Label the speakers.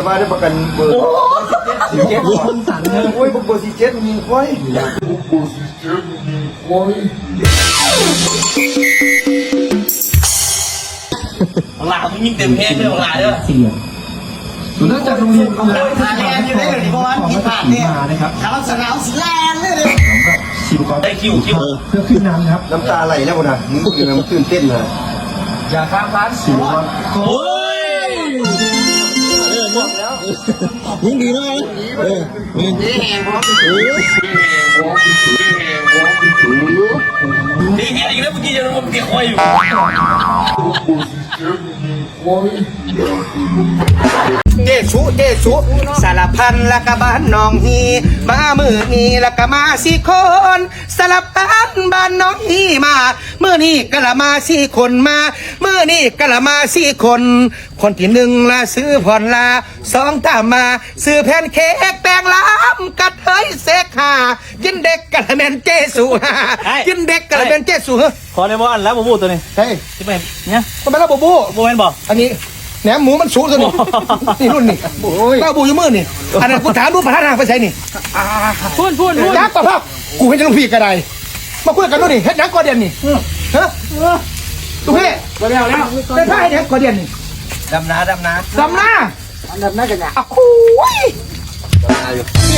Speaker 1: มาได้ประกันเบอร์47สั่นเลยโอ้ยเบอร์47มีควาย
Speaker 2: หลามึงยิงเต็มเพลงเลยหลาเด้อ
Speaker 1: สุนัขจากโรงเรียนกำลัง
Speaker 3: ทางแลนอยู่ได้เลยเพราะว่ามีผ่านเนี่ยทางสนามสีแลนเลย
Speaker 1: ชิมก่อน
Speaker 2: ได้คิว
Speaker 1: เพื่อขึ้นน้ำครับน้ำตาไหลแล้วนะมึงคือมันตื่นเต้นนะอย่าข้ามร้านสิวะ
Speaker 2: โอ้ย
Speaker 4: ยิ่งดีนะ
Speaker 3: นี่แหงพร้อม
Speaker 2: ดีแค่อีกแล้วเมื่อกี้ยังงงเกี่ยวคอยอยู่
Speaker 3: เจชุสารพันละกะบ้านน้องฮีมามือนี้ละกะมาสี่คนสารพันบ้านน้องฮีมามือนี้กะละมาสี่คนมามือนี้กะละมาสี่คนคนที่หนึ่งละซื้อผ่อนละสองตามมาซื้อแผ่นเค้กแป้งล้ำกัดเฮ้ยเสกหากินเด็กกะละแมนเจสุฮากินเด็กกะละแมนเจสุฮะ
Speaker 2: ขอในบ้านแล้วบูบูตัวนี้
Speaker 3: เฮ้ย
Speaker 2: ที่ไปเนี่ย
Speaker 3: ทำไมล่ะบูบู
Speaker 2: บูแมนบอก
Speaker 3: อันนี้แหนมหมูมันสูงสุดนี่รุ่นนี่เต้าบูอยู่มือนี่อันนั้นกูถามดูประธานทางไปใช่นี่
Speaker 2: พูด
Speaker 3: ยักษ์ต่อภาพกูเป็นจะลูกพี่กระไดมาคุยกันดูนี่เฮ็ดยังก่อเดียนนี่ฮะลูกพี่มาแล้วได้ผ้าเฮ็ดยังก่อเดียนนี่ดำนากันนะอ่ะคุย